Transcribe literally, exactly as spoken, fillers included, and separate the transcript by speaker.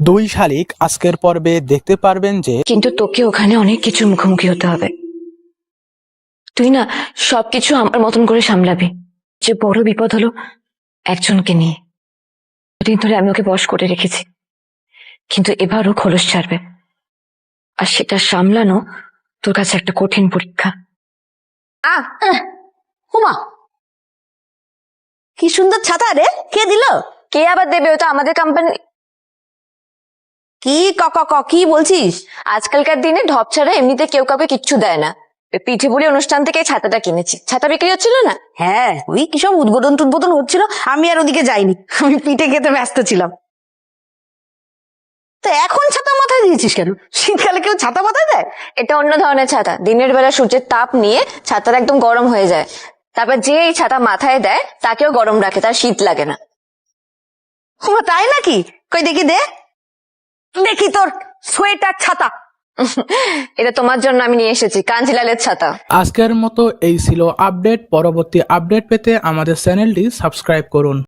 Speaker 1: দুই শালিক আজকের পর্বে দেখতে পারবেন যে
Speaker 2: কিন্তু তোকে ওখানে অনেক কিছুর মুখোমুখি হতে হবে। তুই না সবকিছু আমার মতন করে সামলাবি। যে বড় বিপদ হলো একজনকে নিয়ে। দিন ধরে আমি ওকে বশ করে রেখেছি, কিন্তু এবারও খোলস ছাড়বে, আর সেটা সামলানো তোর কাছে একটা কঠিন পরীক্ষা।
Speaker 3: আহ হুমা, কি সুন্দর ছাতা রে, কে দিল?
Speaker 2: কে আবার দেবে? ওটা আমাদের কোম্পানি।
Speaker 3: কি ক ক ক কি বলছিস?
Speaker 2: আজকালকার দিনে ঢপ ছাড়া এমনিতে কেউ কাউকে কিচ্ছু দেয় না। পিঠে পুলি অনুষ্ঠান থেকে এই ছাতাটা কিনেছি। ছাতা বিক্রি হচ্ছিল না?
Speaker 3: হ্যাঁ, ওই কি সব উদ্বোধন টুদ্বোধন হচ্ছিল, আমি আর ওদিকে যাইনি, আমি পিঠে খেতে ব্যস্ত ছিলাম। তো এখন ছাতা মাথায় দিয়েছিস কেন? শীতকালে কেউ ছাতা মাথায় দেয়?
Speaker 2: এটা অন্য ধরনের ছাতা। দিনের বেলা সূর্যের তাপ নিয়ে ছাতাটা একদম গরম হয়ে যায়, তারপর যে এই ছাতা মাথায় দেয় তাকেও গরম রাখে, তার শীত লাগে না।
Speaker 3: হুমা, তাই নাকি? কই দেখি দে, দেখি তোর সোয়েটার ছাতা।
Speaker 2: এটা তোমার জন্য আমি নিয়ে এসেছি, কাঞ্জিলালের ছাতা।
Speaker 1: আজকের মতো এই ছিল আপডেট। পরবর্তী আপডেট পেতে আমাদের চ্যানেলটি সাবস্ক্রাইব করুন।